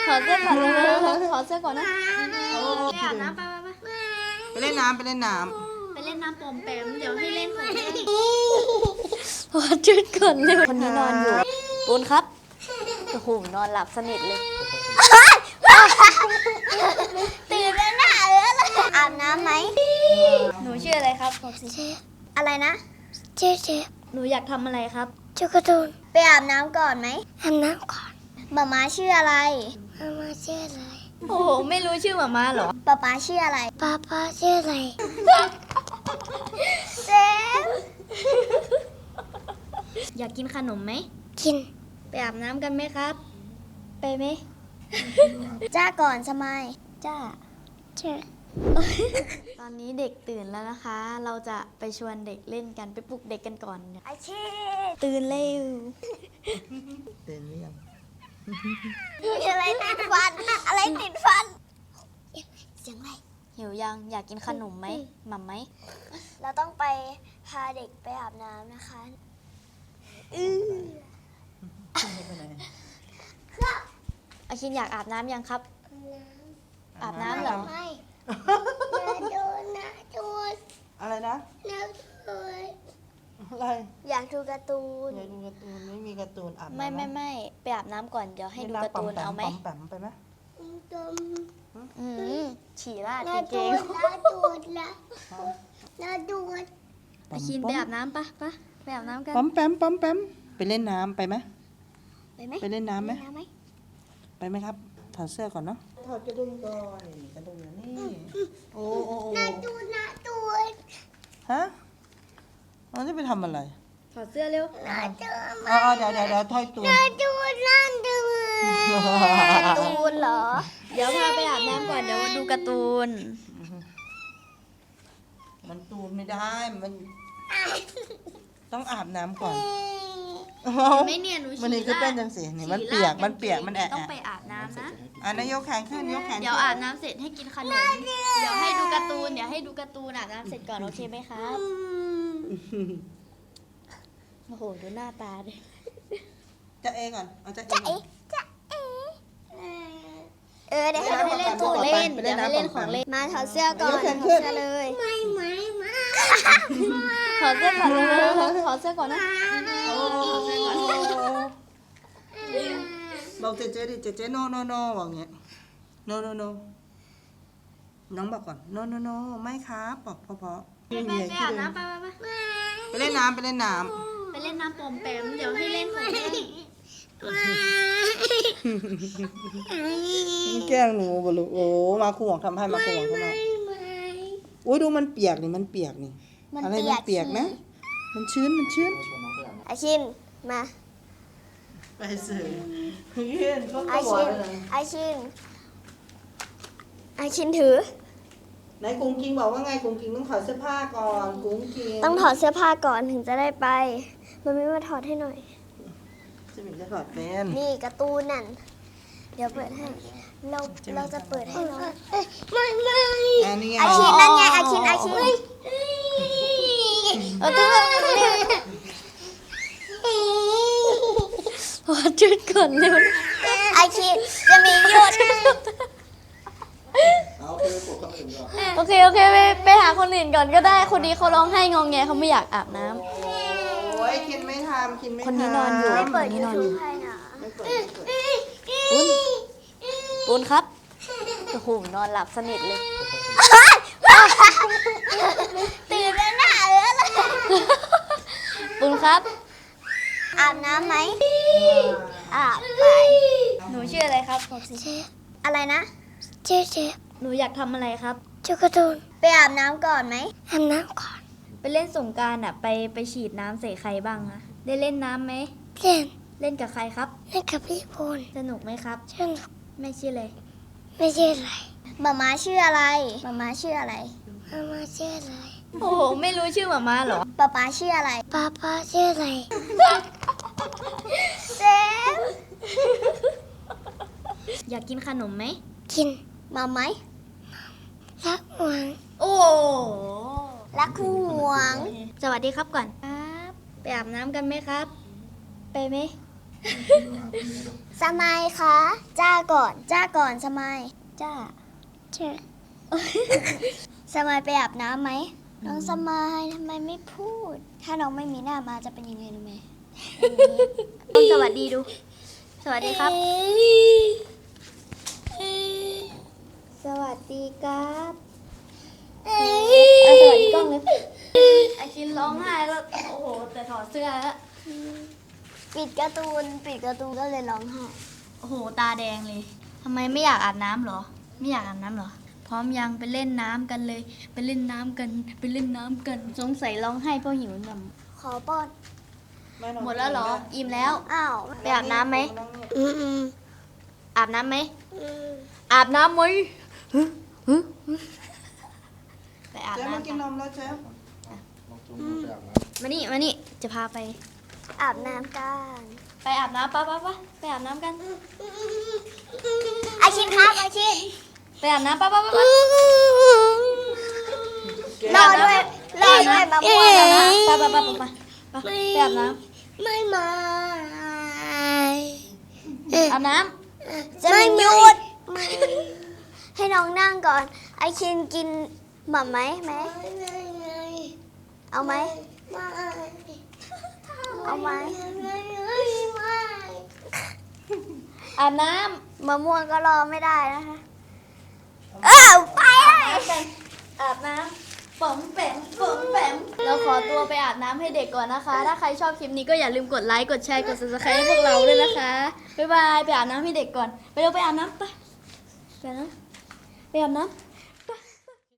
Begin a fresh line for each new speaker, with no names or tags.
ถอดเสื้อก่อนเลยถอดเสื้อก่อนนะไปอาบน้ำไป
เล่นน้ำไปเล่นน้
ไปเล่นน้ำปอมแปมเดี๋ยวให้เล่นของเล่นถอดชุดก่อนเลยคนนี้นอนอยู่ปูนครับโอ้โหนอนหลับสนิทเลย
ตื่นแล้วนะอาบน้ำไหม
หนูชื่ออะไรครับบอกสิ
อะไรนะ
เชฟ
หนูอยากทำอะไรครับ
จุกระตูน
ไปอาบน้ำก่อนไหม
อาบน้ำก่อน
ม่าชื่ออะไร
มาชื่ออะไร
โอ้โหไม่รู้ชื่อหมาเหรอ
ป๊าชื่ออะไร
ป้าชื่ออะไร
เจม
อยากกินขนมไหม
กิน
ไปอาบน้ำกันไหมครับ ไปไหม
จ้าก่อนสมัย
จ้า
เชื่อ
ตอนนี้เด็กตื่นแล้วนะคะ เราจะไปชวนเด็กเล่นกันไปปลุกเด็กกันก่อน
อาชี
ตื่นเร็ว
ำเต้นหรือยัง
อะไรติดฟัน อะไรติดฟัน เสียงอะไร
หิวยังอยากกินขนมไหมหม่ำไหม
เราต้องไปพาเด็กไปอาบน้ำนะคะ
อาคินอยากอาบน้ำยังครับ อาบน้ำเหรอ
ไม่
นาดูน
อะไรนะ
นาดูน
อะไร
อยากดูการ์ตูน
อยากดูการ์ตูนไม่มีการ์ตูนอาบน้ำ
ไม่ไปอาบน้ำก่อนเดี๋ยวให้ดูการ์ตูนเอาไหม
ปอมแปมไปไหม
ดม
อืมฉี่ราด
นา
เก
ดู
ง
นนาดูนละนาดูน
อาคินไปอาบน้ำปะไปอาบน้ำกัน
ปอมแปมปอมแปมไปเล่นน้ำไปไหม
ไปไหม
ไปเล่นน้ำไหม
เล่นน้ำไหม
ไปไหมครับถอดเสื้อก่อนเนาะถอดกระดุมก่อนนี่กระดุมอยู่นี่โอ้
นาดูน
ฮะเราจะไปทำอะไร
ถอดเสื้อเร็ว
เดี๋ยวถอยตูน
นาดูนนาดูน
การ์ตูนเหรอ
เดี๋ยวพาไปอาบน้ำก่อนเดี๋ยวดูการ์ตูน
มันตูนไม่ได้มันต้องอาบน้ำก่อน
ไม่เนี่ยหนู
มันนี่คือเป็นจังสินี่มันเปียกมันแอะ
ต้องไปอาบน้ำนะ
อันนั้นยกแขนขึ้นยกแขน
เดี๋ยวอาบน้ำเสร็จให้กินขนมเดี๋ยวให้ดูการ์ตูนอาบน้ำเสร็จก่อนโอเคไหมครับโอ้โหดูหน้าตาดิ
จะเอก่อนเอาจะเอก่อน
เดี๋ยว
เดี๋ยวให้เล่นของเล่นเดี๋ยวให้เล่นของเล่น
มาถอดเสื้อก่อนถอดเสื้อเลย
ไม่
ถอดเสื้อก่อนเลยถอดเสื้อก่อนนะถอดเสื้อก่อน
บอกเจ๊ดิเจ๊โนบอกเงี้ยโนน้องบอกก่อนโนไม่ครับบอกเพราะๆ
ไปอาบน้ำ
ไปเล่นน้ำ
ไปเล่นน้ำปอมแปมเดี๋ยวให้เล่นของเล่น
แกล้งหนูบ่ลูกโอ้มาขวงทำให้มาขวงทำไมโอ้ยดูมันเปียกนี่อะไรมันเปียกนะ มันชื้น
อาชินมา
ไปสื่อเห็นก็
อา
ตัว
ชิน
เลย
อาชินถือ
ไหนกุ้งกิงบอกว่าไงกุ้งกิงต้องถอดเสื้อผ้าก่อนกุ้งกิง
ต้องถอดเสื้อผ้าก่อนถึงจะได้ไป มันไม่มาถอดให้หน่อย
จะมีจะถอดเป็น
นี่การ์ตูนนั่น เดี๋ยวเปิดให้ เราจะเปิดให้น้อง
อันนี้ไง
อาชินนั่นไงอาชิน
ถอดชุดก่อนเร็ว
อาชินจะมีหยุด
โอเคไปหาคนอื่นก่อนก็ได้คนนี้เขาร้องไห้งองแงเขาไม่อยากอาบน้ำ
โอ้ยคินไม่ทำคินไม่ทำ
คนนี้นอนอยู่
ไม่เปิดยูทูบให้นะ
ปูนครับโอ้โหนอนหลับสนิทเลย
ตื่นแล้วนะ
ปูนครับ
อาบน้ำไหมอาบไป
หนูชื่ออะไรครับบอกสิ
อะไรนะ
เชฟ
หนูอยากทำอะไรครับ
จุกระตูน
ไปอาบน้ำก่อนไหม
อาบน้ำก่อน
ไปเล่นสงกรานต์อ่ะไปฉีดน้ำใส่ใครบ้างอะได้เล่นน้ำไหม
เล่น
เล่นกับใครครับ
เล่นกับพี่พล
สนุกไหมครับ
สนุก
ไม่ชื่อเลย
ไม่ใช่อะไร
ม่าชื่ออะไรม่าชื่ออะไร
มาชื่ออะไร
โอ้โหไม่รู้ชื่อหมาเหรอ
ป๊าชื่ออะไร
ป้าชื่ออะไร
เจม
อยากกินขนมไหม
กิน
มาไหม
รักหวัง
โอ้
รักคู่ห่วง
สวัสดีครับก่อนครับ ไปอาบน้ำกันไหมครับ ไปไหม
สมัยคะจ้าก่อนสมัยจ้า
เชื่อ
สมัยไปอาบน้ำไหมน้องสมัยทำไมไม่พูด ถ้าน้องไม่มีหน้ามาจะเป็นยังไงรู้ไหมต้องสวัสดีดู สวัสดีครับ สวัสดีครับสวัสดีกล้องเลยไอคินร้องไห้แล้วโอ้โหแต่ถอดเสื้อแล้วปิดการ์ตูนก็เลยร้องไห้
โอ้โห ตาแดงเลย ทำไมไม่อยากอาบน้ำเหรอ ไม่อยากอาบน้ำเหรอ พร้อมยังไปเล่นน้ำกันเลย ไปเล่นน้ำกัน ไปเล่นน้ำกัน สงสัยร้องไห้เพราะหิวนม
ขอป้อน
หมดแล้วเหรอ อิ่มแล้ว
อ้าว
ไปอาบน้ำไหม
อืม
อาบน้ำไหม
อืม
อาบน้ำไหมไปอาบ
เจ๊มากิน
น้ำ
นมแล้วเจ๊
มานี่ จะพาไป
อาบน้ำกัน
ไปอาบน้ำปะไปอาบน้ำกัน
อาชินครับอาชิน
ไปอาบน้ำปะ
รอด้วยมะม่วง
ไป
นะ
ไปอาบน้
ไม่มา
ำอาบน้
จะไม่หยุดให้น้องนั่งก่อนไอชินกินหม่ำไหมเอาไหมเอาไหม
ำอาบน้
มะม่วงก็รอไม่ได้นะคะไปเลย
ำอาบน้ำป๋อมแปมเราขอตัวไปอาบน้ำให้เด็กก่อนนะคะ ถ้าใครชอบคลิปนี้ก็อย่าลืมกดไลค์ กดแชร์ กด subscribe ให้พวกเราด้วยนะคะ บ๊ายบาย ไปอาบน้ำให้เด็กก่อน ไปเร็วไปอาบน้ำไปอาบน้ำ